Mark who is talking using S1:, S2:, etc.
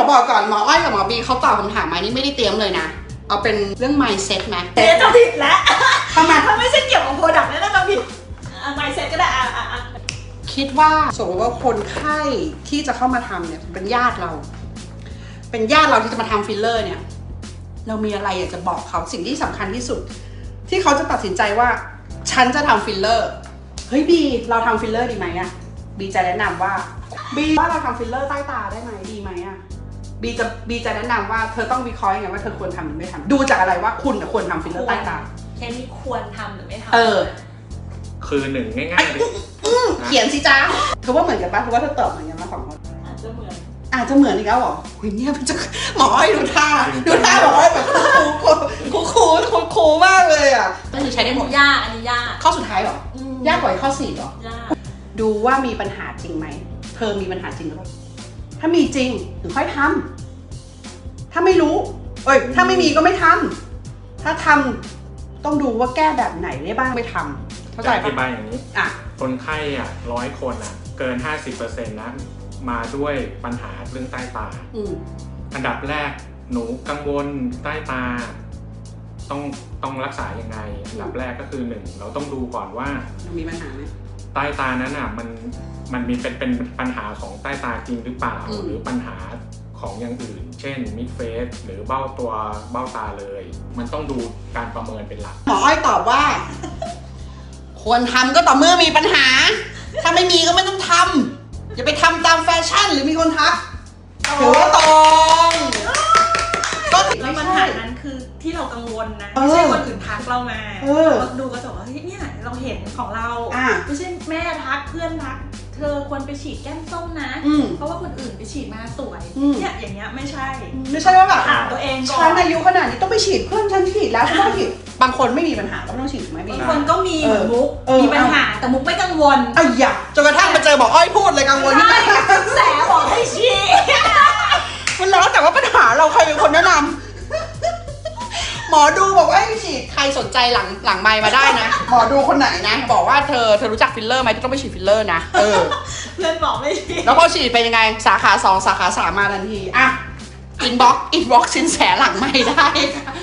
S1: บอกก่อนหมออ้อยกับหมอบีเขาตอบคำถามมานี่ไม่ได้เตรียมเลยนะเอาเป็นเรื่อง mindset ไหม
S2: เจ๊จะผิดแล้ว
S1: ทำไม
S2: ถ้าไม่ใช่เกี่ยวกับโปรดักต์นั่นจะผิดmindset ก็ได้
S1: คิดว่าสมมติว่าคนไข้ที่จะเข้ามาทำเนี่ยเป็นญาติเราที่จะมาทำฟิลเลอร์เนี่ยเรามีอะไรอยากจะบอกเขาสิ่งที่สำคัญที่สุดที่เขาจะตัดสินใจว่าฉันจะทำฟิลเลอร์เฮ้ยบีเราทำฟิลเลอร์ดีไหมอะบีจะแนะนำว่าบีว่าเราทำฟิลเลอร์ใต้ตาได้ไหมดีไหมอะบีจะแนะนำว่าเธอต้องวิเคราะห์ยังไงว่าเธอควรทำหรือไม่ทำดูจากอะไรว่าคุณควรทำฟิลเลอร์ใต้ตา
S2: แค่นี้ควรทำหรือไม่ทำ
S3: คือหนึ่งง่ายๆเลย
S1: เขียนสิจ้าเธอว่าเหมือนกันปะเธอว่าเธอตอบเหมือนกันมาสองคน
S2: อาจจะเหมือน
S1: อีกแล้วเหรอหุยเนี่ยมันจะหมอให้ดูท่าหมอให้แบบคูมากเลยอ่ะก็คือใช้ได้หมด
S2: ยากอันนี้ยาก
S1: ข้อสุดท้ายเหรอยากกว่าข้อ4เหรอยากดูว่ามีปัญหาจริงไหมเธอมีปัญหาจริงหรือเปล่าถ้ามีจริงถึงค่อยทำถ้าไม่รู้ถ้าไม่มีก็ไม่ทำถ้าทำต้องดูว่าแก้แบบไหนได้บ้างไปทำเข้าใจปะ
S3: อธิบายอย่างนี้คนไข้100 คนเกิน 50% นะมาด้วยปัญหาเรื่องใต้ตาอันดับแรกหนูกังวลใต้ตาต้องรักษายังไงอันดับแรกก็คือ1เราต้องดูก่อนว่า
S1: มีปัญหาไหม
S3: ใต้ตานั้นมันมีเป็นปัญหาของใต้ตาจริงหรือเปล่าหรือปัญหาของอย่างอื่นเช่นมิดเฟสหรือเบ้าตาเลยมันต้องดูการประเมินเป็นหลัก
S1: หมออ้อยตอบว่าควรทำก็ต่อเมื่อมีปัญหาถ้าไม่มีก็ไม่ต้องทำอย่าไปทำตามแฟชั่นหรือมีคนทักถือว่าตรง
S2: ก็แล้วปัญหานั้นคือที่เรากังวลนะไม่ใช่คนอื่นทักเรามาเราดูก็จะว่าเนี่ยเราเห็นของเราไม่ใช่แม่ทักเพื่อนทักเธอควรไปฉีดแก้มส้มนะเพราะว่าคนอื่นไปฉีดมาสวยเนี่ยอย่างเงี้ยไม่ใช่
S1: ว่าแบบ
S2: ถามตัวเองก่อน
S1: ฉันอายุขนาดนี้ต้องไปฉีดเพื่อนฉันฉีดแล้วฉันต้องฉีดบางคนไม่มีปัญหาก็ไม่ต้องฉีดถูกไหม
S2: บางคนก็มีมุกมีปัญหาแต่มุกไม่กังวล
S1: อย่าจนกระทั่งมาเจอบอกอ้อยพูดเลยกังวล
S2: ใช่แสบอกให้ฉีด
S1: มันแล้วแต่ว่าปัญหาเราใครเป็นคนแนะนำหมอดูบอกว่าฉีดใครสนใจหลังไมค์มาได้นะหมอดูคนไหนนะบอกว่าเธอรู้จักฟิลเลอร์ไหมต้องไปฉีดฟิลเลอร์นะ
S2: เพื่อนบอกไม่ฉีด
S1: แล้วพอฉีดเป็นยังไงสาขา2สาขา3มาทันทีอินบ็อกซ์สินแสหลังไมค์ได้